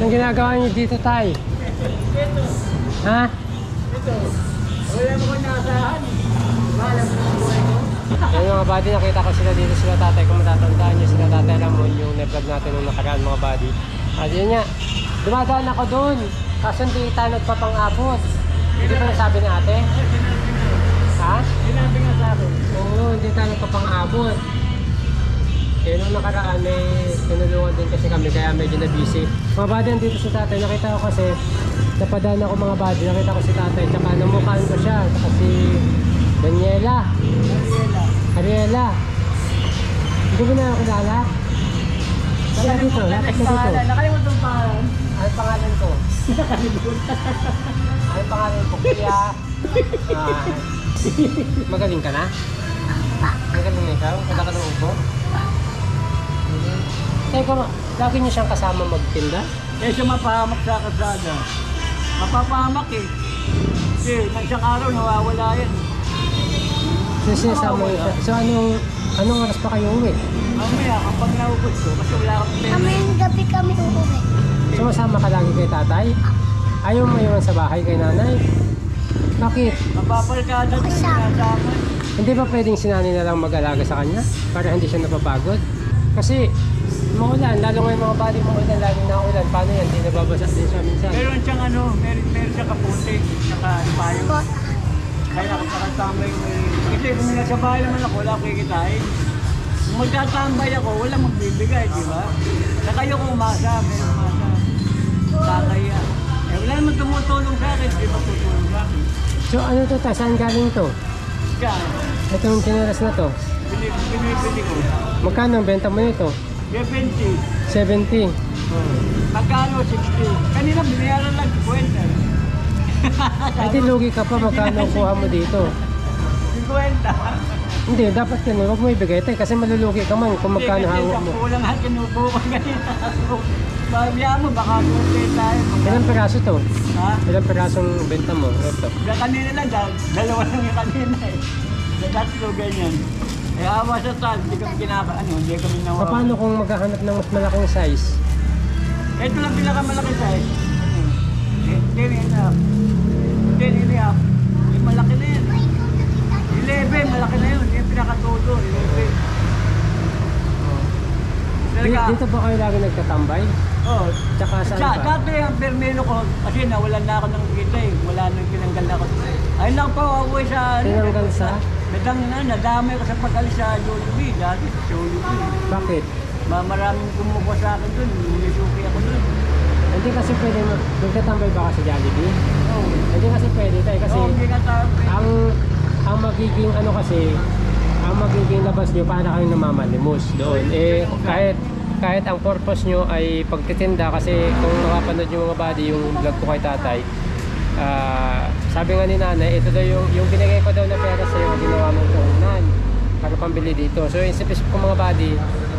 Anong ginagawa niyo dito, Tay? Ito. Ha? Ito. Wala mo kong naasahan. Bahala mo ng buhay ko. Ayun mga buddy, nakita ko sila dito sila tatay. Kung matatandaan nyo sila tatay Ramon, yung na-vlog natin nung nakaraan mga buddy. At yun nga, dumadaan ako doon. Kaso hindi tayo nagpapang-abot. Hindi ba nasabi ni ate? Ha? Sinabi nga sa akin. Oo, hindi tayo nagpapang-abot. Kaya nung nakaraan may tinulungan din kasi kami kaya medyo na-busy. Mga buddy, andito si tatay. Nakita ko kasi, napadaan ako mga buddy. Nakita ko si tatay. Tsaka namukhaan ko siya. Tsaka si Daniela. Ariela. Hindi mo na ako kilala? Kaya dito, lapit na dito. Nakalimutan pa. Ano pangalan ko? Ano pangalan ko? Kuya. Magaling ka na? Magaling na ikaw? Kada ka ng upo? Teka, lagi niyo siyang kasama magtinda? Eh siya mapahamak sa kasada. Mapapahamak eh. Kasi nang isang araw nawawala yan. So sinasama niyo siya. So anong oras pa kayo uwi? Mamaya kapag naubos ko, kasi wala akong pera. Kamayang gabi kami uuwi. Sumasama ka lagi kay tatay? Ayaw mo iwan sa bahay kay nanay? Bakit? Mapapalkada ko sinasama. Hindi ba pwedeng si nanay na lang mag-alaga sa kanya? Para hindi siya napapagod? Kasi maulan, lalo ngayon mga bali maulan, laging naulan. Paano yan? Hindi nababasa din siya minsan. Meron siyang ano, meron siyang kaputi, saka payo. Kaya nakatambay mo eh. Kasi kung nasa bahay naman ako, wala akong kikitain. Kung magtatambay ako, wala magbibigay, di ba? Sa kayo kung umasa, may umasa. Kakaya. Eh wala naman tumutulong sa akin, di ba tutulong sa akin? So ano to ta? Saan galing to? Kaya, Itong chinelas na to. binibili ko. Magkano ang benta mo nito? 70. 70. Magkano 60. Kanina binayaran lang 50. Ay di lugi ka pa, magkano ang kuha mo dito? 50. Hindi, dapat yan, huwag mo ibigay tayo kasi malulugi ka man kung magkano hawak mo. Kulang ang kinubo ko kanina. Babiya mo, baka kurte tayo. Ilang peraso to? Ha? Ilang perasong benta mo? Ito. Sa kanina lang, dalawa lang yung kanina eh. Sa tatlo, ganyan. Eh, awa sa tal, hindi kami hindi kami nawawa. Paano kung maghahanap ng mas malaking size? Ito lang pinakamalaki size. 10 10 and a half. Yung malaki na yan. 11, malaki na yun. Yung pinakatudo, 11. Dito ba kayo lagi nagtatambay? Oo. Tsaka saan ba? Dati ang permelo ko, kasi nawalan na ako ng kita eh. Wala nang tinanggal na ako. Ayun lang po, awoy sa... Tinanggal sa? Nadamay ko sa pag-alis sa Jollibee. Dati sa Jollibee. Bakit? Maraming kumukuha sa akin dun. Nisuki ako dun. Hindi kasi pwede magtatambay ba ka sa Jollibee? Oo. Hindi kasi pwede tayo kasi Oo, hindi ka tawag. ang magiging ano kasi ang magiging labas nyo para kayong namamalimos doon. Eh kahit ang purpose nyo ay pagtitinda kasi kung makapanood yung mga buddy yung vlog ko kay tatay, sabi nga ni nanay, ito daw yung binigay ko daw na pera sa iyo, ginawa mong puhunan para pambili dito. So yung isip ko mga buddy,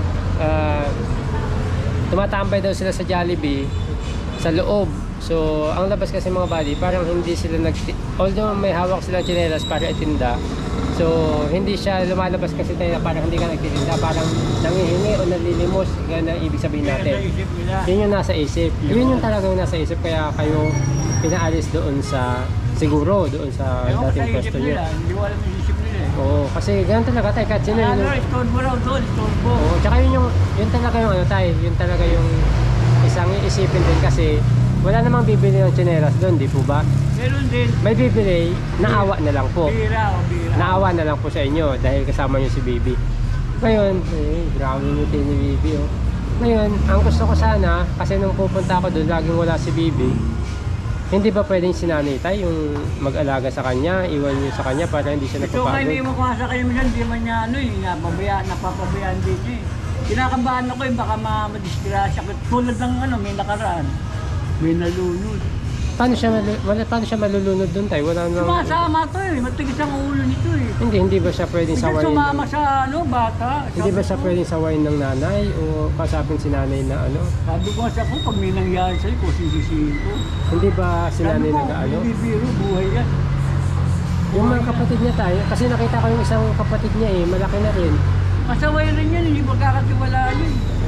tumatambay daw sila sa Jollibee sa loob. So ang labas kasi mga buddy, parang hindi sila although may hawak silang tsinelas para itinda, so hindi siya lumalabas kasi tayo na parang hindi ka nagtitinda, parang nangihingi o nalilimos, ganun ang ibig sabihin natin. Yun yung nasa isip. Yun yung talagang nasa isip, kaya kayo pinaalis doon sa siguro doon sa dating pwesto nyo. Hindi ko alam yung isip nila eh. Oo, kasi ganun talaga tayo kahit sino yun. Store mo raw doon, store mo. Oo, tsaka yun talaga yung ano tayo, yun talaga yung isang iisipin din kasi wala namang bibili ng tsinelas doon, di po ba? Meron din. May bibili, naawa na lang po. Bira o bira. Naawa na lang po sa inyo dahil kasama nyo si Bibi. Ngayon, grabe yung ni Bibi oh. Ngayon, ang gusto ko sana, kasi nung pupunta ako doon, laging wala si Bibi. Hindi ba pwedeng sinanitay yung mag-alaga sa kanya, iwan nyo sa kanya para hindi siya Ito nga hindi napapagod? mo kumasa kayo mo dyan, di man niya ano eh, napapabayaan din eh. Kinakabahan ako eh, baka madisgrasya ko. Tulad ng ano, may nakaraan. May nalunod. Paano siya malulunod doon tayo? Wala nang... Sumasama to eh, matigis ang ulo nito eh. Hindi ba siya pwedeng Biglang sawayin sumama ng... sa ano, bata. Hindi ba siya Sabi ko, pwedeng sawayin ng nanay o kasapin si nanay na ano? Sabi ko sa ako, pag may nangyari sa'yo, kung sisisihin ko. Hindi ba si Sabi nanay ko, nag-ano? hindi biro, buhay yan. Yung mga kapatid niya tayo, kasi nakita ko yung isang kapatid niya malaki na rin. Masaway rin yan, hindi magkakatiwalaan yun.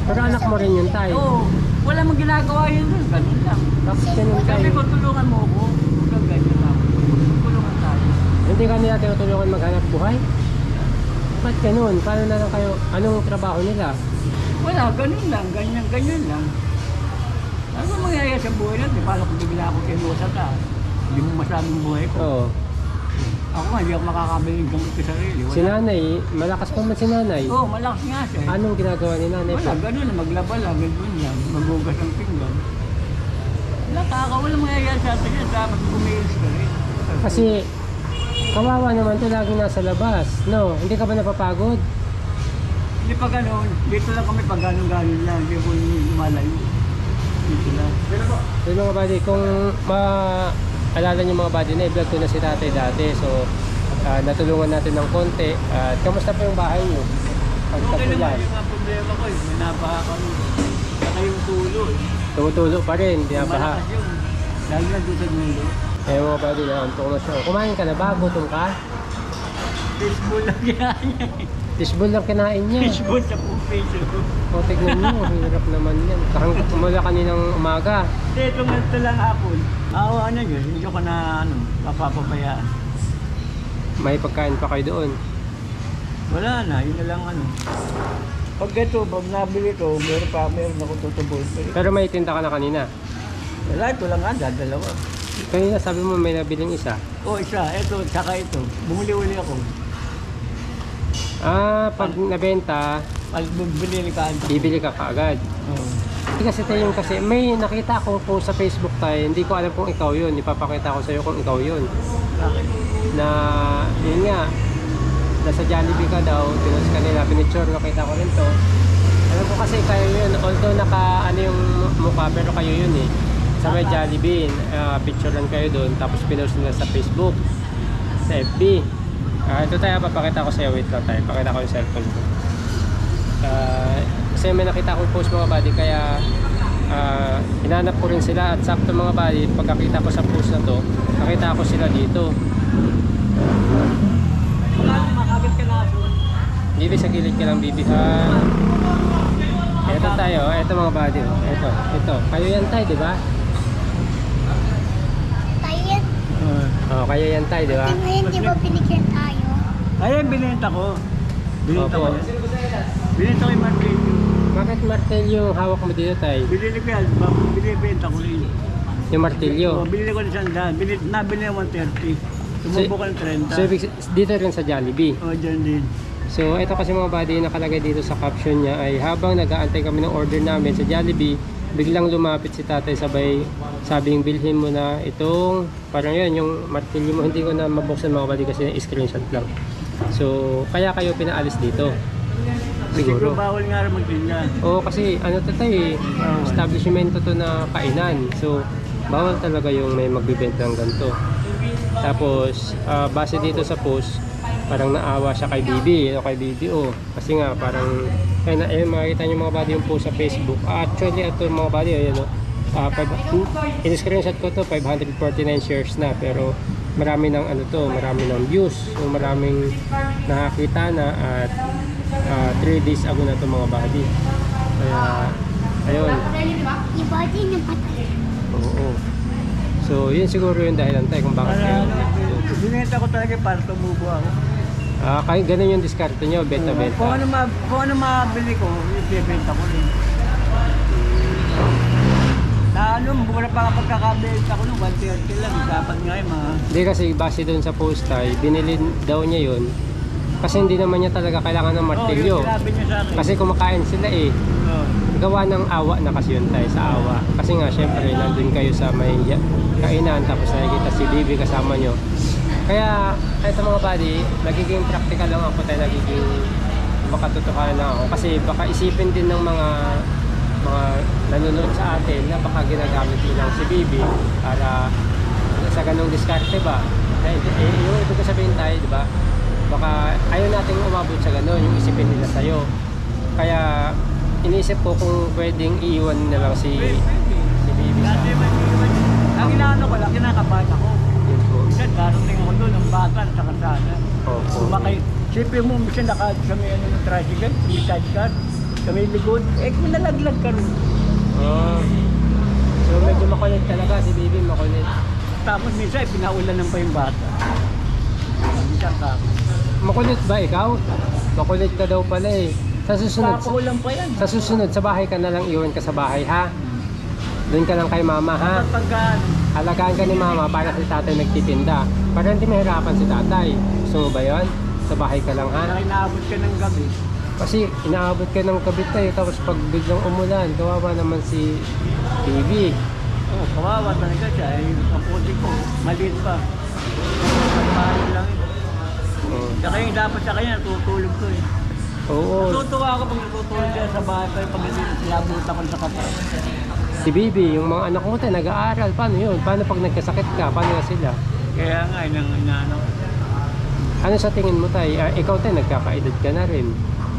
Pero anak mo rin yun, tay. Oo, wala mong ginagawa yun doon, ganun lang. Bakit ganun, tay? Sabi ko, tulungan mo ako. Huwag ganyan lang. Tulungan tayo. Hindi ka nila tinutulungan maghanap buhay? Ba't ganun? Paano na lang kayo? Anong trabaho nila? Wala, ganun lang, ganyan lang. Ano ba mangyayari sa buhay natin? Paano kung bigla ako kinusa ka? Hindi mo masabing buhay ko. Oo. Ako nga, hindi ako makakabili ng gamot ko sa sarili. Si nanay, malakas pa man si nanay. Oo, malakas nga siya. Anong ginagawa ni nanay Wala, po? ganun lang, maglaba lang, ganun lang. Magugas ang pinggan. Wala mangyayari sa atin yan. Dapat kumilos ka rin. Kasi kawawa naman to lagi nasa labas. No, hindi ka ba napapagod? Hindi pa ganun. Dito lang kami pag ganun lang. Hindi ko lumalayo. Dito lang. So mga buddy, kung maalala niyo mga buddy na i-vlog ko na si tatay dati. So natulungan natin ng konti. At kamusta po yung bahay niyo? Okay Pagtapulan. naman yung mga problema ko. May nabaha kami. Saka yung tulo. Tumutulo pa rin, hindi na baha. Malakas yun. Lalo na doon sa dulo. Eh mga buddy, naantok na siya. Kumain ka na ba? Gutom ka? Fishbowl lang ginanya. Fishbowl lang kinain niya. Fishbowl sa pupiso. O tignan niyo, hirap naman yan. Hanggang umula kaninang umaga. Hindi, ito lang hapon. Awa na yun. Hindi ko na mapapabayaan. May pagkain pa kayo doon. Wala na, yun na lang Pag pag nabili ko, meron ako tutubol. Pero may tinda ka na kanina. Wala, ito lang dalawa. Kanina sabi mo may nabiling isa. O isa, ito, saka ito. Bumuli-uli ako. Pag nabenta, Pag bumili ka ito. bibili ka kaagad. Oo. Hindi kasi tayo kasi may nakita akong post sa Facebook tayo, hindi ko alam kung ikaw yun. Ipapakita ko sa iyo kung ikaw yun. Bakit? Na yun nga, nasa Jollibee ka daw, pinost ka nila, pinicture, nakita ko rin to. Alam ko kasi kayo yun, although naka ano yung mukha, pero kayo yun eh. Sa may Jollibee, picturean kayo doon, tapos pinost nila sa Facebook, sa FB. Ito tayo, papakita ko sa iyo, wait lang tayo, pakita ko yung cellphone ko. Kasi may nakita akong post mga buddy, kaya hinanap ko rin sila at sakto mga buddy, pagkakita ko sa post na to, nakita ko sila dito. Wala, makagad ka na aso. Bibi, sa gilid ka lang bibi ha. Eto tayo, eto mga buddy, ito. Kayo yan tayo, di ba? Tayo yan. Oh, kayo yan tayo, di ba? Ngayon, di ba pinicture tayo? Ayun, binenta ko. Binenta Opo. ko. Binenta ko yung market. Bakit martilyo yung hawak mo dito tayo? Binili ko yan, binibenta ko rin. Yung martilyo. Binili ko ng 100. Nabili ng 130. Sumubo ko ng 30. So, dito rin sa Jollibee. O, dyan din. So, ito kasi mga buddy, nakalagay dito sa caption niya ay habang nag-aantay kami ng order namin sa Jollibee, biglang lumapit si tatay sabay sabing bilhin mo na itong, parang yun, yung martilyo mo. Hindi ko na mabuksan mga buddy kasi screenshot lang. So, kaya kayo pinaalis dito. Siguro Siguro. bawal nga rin magtinda. Oo, kasi ano to tayo eh, establishmento to na kainan. So, bawal talaga yung may magbibenta ng ganito. Tapos, base dito sa post, parang naawa siya kay Bibi, kay BBO. Kasi nga, parang, ayun, makikita nyo mga buddy yung post sa Facebook. Actually, ito mga buddy, ayun, in-screenshot ko to, 549 shares na, pero marami ng ano to, marami ng views, so maraming nakakita na at 3 days ago na to mga buddy. Kaya, ayun. Yung body ng patay. Oo. So, yun siguro yung dahilan tayo kung bakit kayo. Binenta ko talaga para tumubo ako. Kaya ganun yung diskarte nyo, Kung benta-benta. ano mabili ko, ibibenta ko rin. Na ano, mura pa pagkakabenta ko nung 130 lang. Dapat nga yung mga... Hindi kasi base doon sa post ay binili daw niya yun. Kasi hindi naman niya talaga kailangan ng martilyo. yung sinabi niya sa akin. Kasi kumakain sila eh. Oo. Gawa ng awa na kasi yun tayo, sa awa. Kasi nga syempre nandun kayo sa may kainan tapos nakikita si Bibi kasama nyo. Kaya ito mga buddy, nagiging practical lang ako tayo, nagiging makatotohanan lang ako. Kasi baka isipin din ng mga nanonood sa atin na baka ginagamit nilang si Bibi para sa ganong diskarte ba. Yung ibig ko sabihin tayo, di ba? Baka ayaw nating umabot sa ganon, yung isipin nila sa'yo. Kaya iniisip ko kung pwedeng iiwan na lang si Bibi sa Dati man, ang inaano ko lang, kinakabahan ako. yun po. Minsan, darating ako doon, ang bata sa kalsada. Opo. Sumakay. Siyempre mo, minsan sa may ano ng tricycle, may sidecar. Kami likod. Kung nalaglag ka rin. Oh. So medyo makulit talaga si Bibi, makulit. Tapos minsan, pinaulanan pa yung bata. Minsan ka. Makulit ba ikaw? Makulit ka daw pala eh. Sa susunod, Papaulan pa yan. sa susunod, sa bahay ka na lang, iwan ka sa bahay ha? Doon ka lang kay mama ha? Kapag pagka, Alagaan ka ni mama para si tatay nagtitinda. Para hindi mahirapan si tatay. Gusto mo ba yun? Sa bahay ka lang ha? inaabot ka ng gabi. Kasi inaabot ka ng kabit tayo tapos pag biglang umulan, kawawa naman si Bibi. Oh, kawawa talaga siya. Yung kaputi ko, maliit pa. Mahal lang yun. Oh. Saka yung dapat sa kanya, natutulog ko eh. Oo. Natutuwa ako pag natutulog siya sa bahay, pero pag sinabutan ko sa kapal. Si Bibi, yung mga anak mo tayo nag-aaral. Paano yun? Paano pag nagkasakit ka? Paano na sila? Kaya nga, inaano. Ano sa tingin mo tayo? Ikaw tayo, nagkakaedad ka na rin.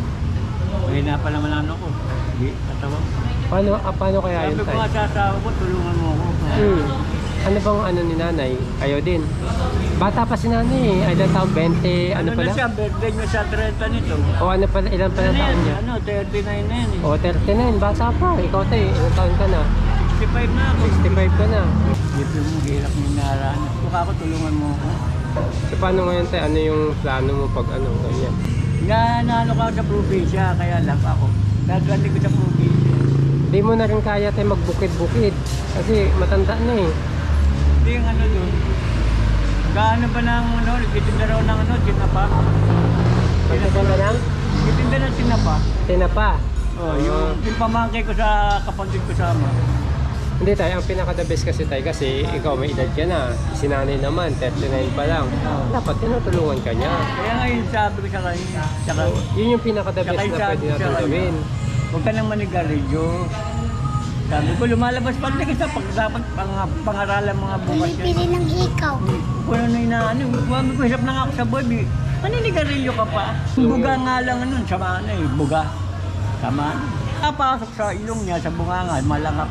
Mahina pa naman ano ko. Hindi, katawa. Paano kaya Sabi yun ko tayo? nga sa asawa ko, tulungan mo ako. Ano bang ano ni nanay? Ayaw din. Bata pa si nanay eh. Ilan taon? 20? Ano na pala? siya, birthday niya sa 30 nito. O ano pala? Ilan pala Ano taon yan? niya? Ano, 39 na yan eh. O 39. Bata pa. Ikaw tayo. Ilan taon ka na? 65 na ako. 65 ka na. Dito mo, hirap mo inarahan. Kung ako, tulungan mo ako. So paano ngayon tayo? Ano yung plano mo pag ano? Ganyan? Naano ka sa probinsya, kaya lang ako. Nagandi ko sa probinsya. Hindi mo na rin kaya tayo magbukid-bukid. Kasi matanda na eh. Hindi yung ano doon. Gaano ba ng ano, nagtitinda raw ng ano, tinapa. Magkakanda lang? Nagtitinda ng tinapa. Tinapa. Oh, yung pamangkay ko sa kapatid ko sama. Hindi tayo, ang pinaka-the best kasi tayo kasi ikaw may edad ka na. Si nanay naman, 39 pa lang. Dapat tinutulungan ka niya. Kaya ngayon sabi ko sa kanya, tsaka, Yun yung pinaka-the best Tsaka na sabi pwede ko natin sa gawin. huwag ka nang manigarilyo. Sabi ko, lumalabas pa rin kita pag dapat pangaralan mga bukas yan. Bibili ng ikaw. Kung ano yung inaano, sabi ko, hirap na nga ako sa boy, maninigarilyo ka pa. Buga nga lang nun, sama na eh, buga. Sama na. Kapasok sa ilong niya, sa bunganga, malangap.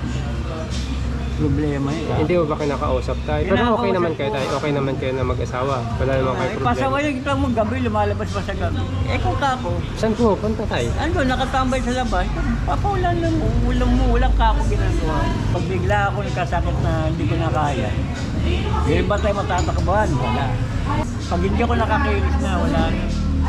Problema yun. Hindi mo ba kinakausap tayo? Pero okay Kinakausap naman kayo ko. tayo. Okay naman kayo na mag-asawa. Wala naman kayo problema. Pasaway kita mo gabi, lumalabas pa sa gabi. Kung kako, Saan po? Punta tayo. ano, nakatambay sa labas, papaulan lang mo, walang kako ginagawa. Pag bigla ako nagkasakit na hindi ko na kaya, hindi ba tayo matatakbahan? Wala. Pag hindi ako nakakilis na, wala na.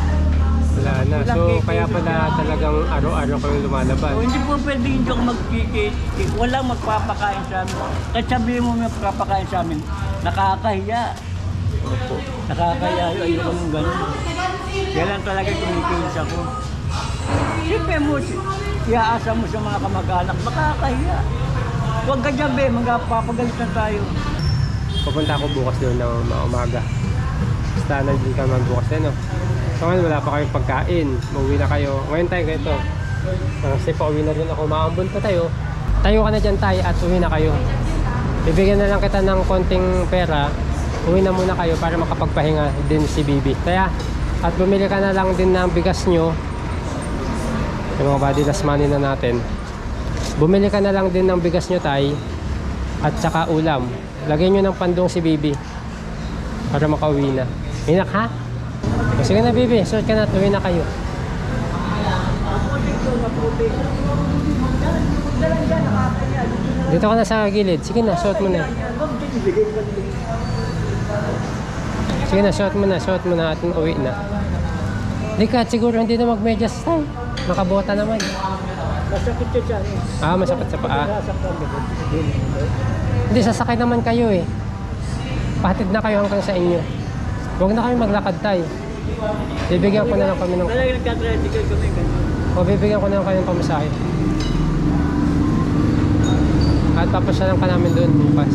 Wala na. So, kaya pala talagang araw-araw kayong lumalabas. So, hindi po pwede hindi ako magkikit. Walang magpapakain sa amin. Kahit sabihin mo may magpapakain sa amin, nakakahiya. Opo. Nakakahiya. Ayoko nung ganun. Kaya lang talaga kumikilis ako. Siyempre mo, iaasa mo sa mga kamag-anak, makakahiya. Huwag ka dyan, be. Magpapagalit na tayo. Pupunta ako bukas doon ng umaga. Basta nandun ka naman bukas eh, no? So ngayon wala pa kayong pagkain. Mauwi na kayo. Ngayon tayo ganito. Kasi pauwi na rin ako. Maambon pa tayo. Tayo ka na dyan tayo at uwi na kayo. Bibigyan na lang kita ng konting pera. Uwi na muna kayo para makapagpahinga din si Bibi. Kaya, at bumili ka na lang din ng bigas nyo. Yung mga body last money na natin. Bumili ka na lang din ng bigas nyo tay. At saka ulam. Lagyan nyo ng pandong si Bibi. Para makauwi na. Inak ha? O, sige na Bibi, suot ka na, tuwi na kayo. Dito ka na sa gilid. Sige na, suot mo na. Sige na, suot mo na at uwi na. Di ka, siguro hindi na magmedyas tayo. Nakabota naman. Masakit siya dyan. Masakit sa paa. Nasaktan ka. Hindi, sasakay naman kayo eh. Pahatid na kayo hanggang sa inyo. Huwag na kayo maglakad tayo. Bibigyan ko na lang kami ng... Talaga nagka-tricycle kami ganun. O, bibigyan ko na lang kayo ng pamasahe. At tapos na lang ka namin doon bukas.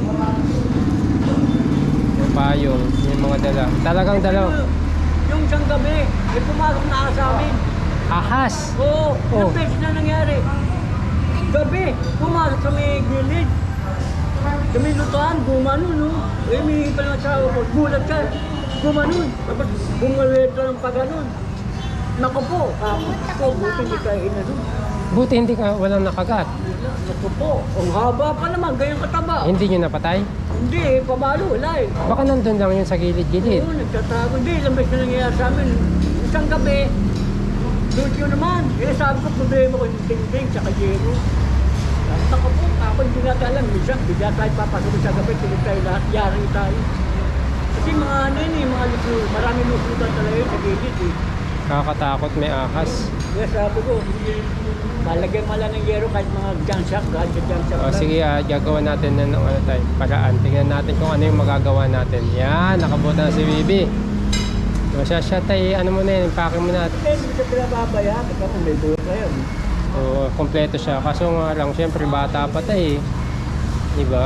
Yung payong, yung mga dala. Talagang dalaw. Yung isang gabi, may pumasok na sa amin. Ahas! Oo, Oh. ilang beses na nangyari. Gabi, pumasok sa may gilid. Sa may lutuan, gumanon, no? Eh, may pa lang asawa ko, gulat ka. Gumanon, tapos bumaweta ng paganon. Naku po, buti hindi tayo inanon. Buti hindi ka walang nakagat. Naku po, ang haba pa naman, ganyang kataba. Hindi nyo napatay? Hindi, pabalo, wala eh. Baka nandun lang yun sa gilid-gilid. Oo, nagtatago. Hindi, ilang beses na nangyayari sa amin. Isang gabi, Doon yun naman. Eh, sabi ko, problema ko yung tingting sa kayero. Sabi ko po, ako hindi natin alam. Minsan, bigla tayo papasok sa gabi, tulog tayo lahat, yari tayo. Kasi mga ano yun eh, mga lupo, maraming luputan talaga yun sa gilid eh. Nakakatakot, may ahas. Kaya sabi ko, malagyan mo lang ng yero kahit mga junk shop, kahit sa junk shop O lang. sige, gagawa natin ng ano tayo, paraan. Tingnan natin kung ano yung magagawa natin. Yan, nakabuta na si Bibi. O siya tayo, ano mo na yun, impake mo na. Eh, hindi ka pinababaya, kasi kung may buhay kayo. O, kompleto siya. Kaso nga lang, syempre bata pa tayo eh. Diba?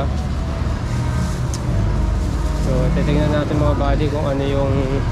So, titignan natin mga buddy kung ano yung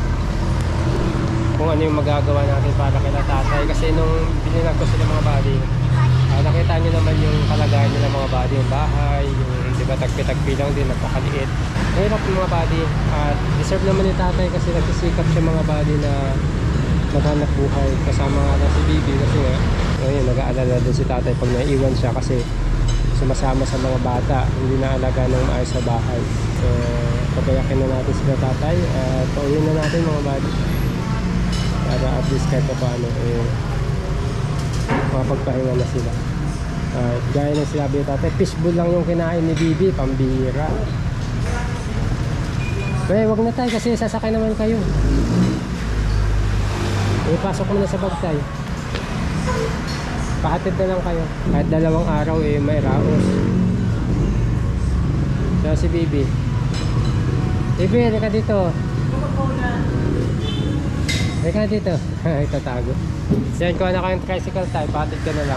magagawa natin para kay tatay. Kasi nung binilag ko sila mga buddy, nakita nyo naman yung kalagayan nila mga buddy, yung bahay, yung diba tagpi-tagpi lang din, napakaliit. Mahirap yung mga buddy. At deserve naman ni tatay kasi nagsisikap siya mga buddy na maghanap buhay. Kasama nga lang si Bibi kasi nga, ngayon nag-aalala din si tatay pag naiiwan siya kasi sumasama sa mga bata, hindi na alaga ng maayos sa bahay. So, pabayakin na natin sila tatay at pauwiin na natin mga buddy. Para at least kahit pa paano makapagpahinga na sila. Gaya ng sinabi ni tatay, fishbowl lang yung kinain ni Bibi, pambira. Pero wag na tayo kasi sasakay naman kayo. Ipasok mo na sa bag tayo. Pahatid na lang kayo. Kahit 2 araw may raos. So si Bibi. Bibi, halika dito. Halika dito. Itatago. Yan, kuha na kayong tricycle tayo. Pahatid ka na lang.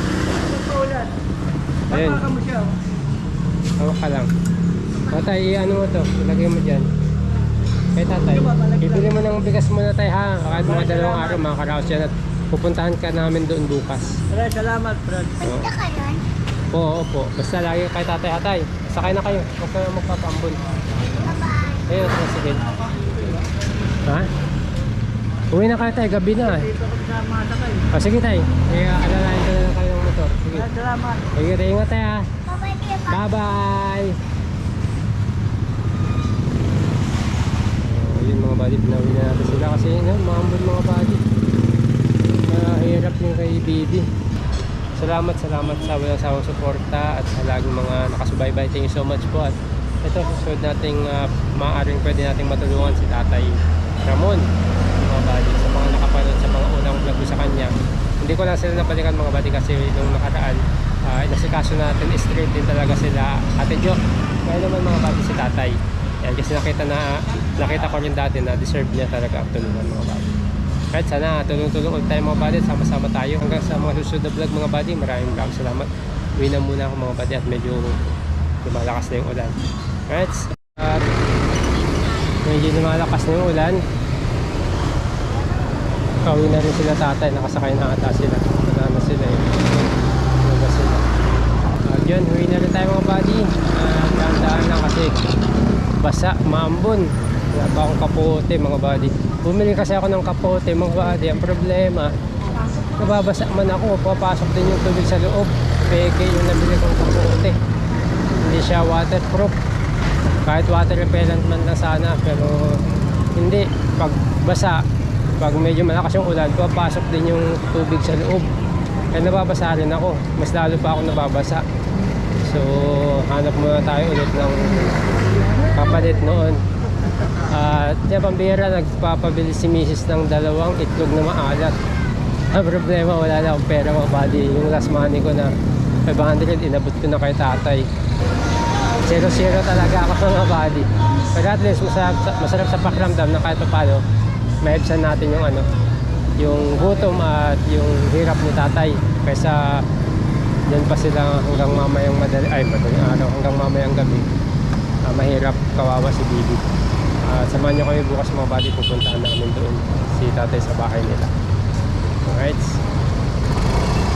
Ayun. Baka mo siya. Hawak ka lang. Tatay, ano mo to? Ilagay mo dyan. Kay tatay. Ibili mo ng bigas muna tayo ha. Kahit mga 2 araw, makakaraos yan at pupuntahan ka namin doon bukas. Maraming salamat, Brad. Punta ka yun? Oo, opo. Basta lagi kay tatay hatay. Sakay na kayo. Huwag kayo magpapambun. Bye-bye. Ayun, sige. Ha? Uwi na kayo tayo. Gabi na. Dito ko sa mga sakay. O sige tayo. Alalayan ko na lang kayo ng motor. Sige. Maraming salamat. Sige tayo. Ingat tayo ha. Bye-bye, Kuya Bob. Bye-bye! Yun mga buddy, pinawi na natin sila kasi maambon mga buddy. Mahirap yung kay Bibi. Salamat sa walang sawang suporta at sa laging mga nakasubaybay. Thank you so much po. At ito, susunod nating maaaring pwede nating matulungan si Tatay Ramon mga buddy. Sa mga nakapanood sa mga unang vlog ko sa kanya. Hindi ko lang sila napalikan mga buddy kasi nung nakaraan inasikaso natin straight din talaga sila Ate Jo. Kaya naman mga buddy si Tatay. Yan, kasi nakita ko rin dati na deserve niya talaga ang tulungan mga buddy. Kahit sana tulong-tulong ulit tayo mga buddy, sama-sama tayo hanggang sa mga susunod na vlog mga buddy. Maraming salamat. Uwi na muna ako mga buddy at medyo lumalakas na yung ulan. Alright, at medyo lumalakas na yung ulan. Pauwi na rin sila tatay, nakasakay na ata sila. Wala na sila eh. Wala sila. At yun, uwi na rin tayo mga buddy. Dahan-dahan lang kasi basa, maambon. Wala pa akong kapote mga buddy. Bumili kasi ako ng kapote mga buddy. Ang problema, nababasa man ako. Papasok din yung tubig sa loob. Peke yung nabili kong kapote. Hindi siya waterproof. Kahit water repellent man lang sana. Pero hindi. Pag basa, pag medyo malakas yung ulan, papasok din yung tubig sa loob. Kaya nababasa rin ako. Mas lalo pa ako nababasa. So, hanap muna tayo ulit ng kapalit noon. At pambira, nagpapabili si Mrs. ng 2 itlog na maalat. Ang problema, wala na akong pera mga buddy. Yung last money ko na 500, inabot ko na kay tatay. 0-0 talaga ako mga buddy. Pero at least masarap sa pakiramdam na kahit pa paano maibsan natin yung yung gutom at yung hirap ni tatay kaysa yan pa sila hanggang mamayang madaling araw hanggang mamayang gabi. Mahirap, kawawa si Bibi. Samahan nyo kami bukas mga buddy, pupuntahan namin doon si tatay sa bahay nila. Alright.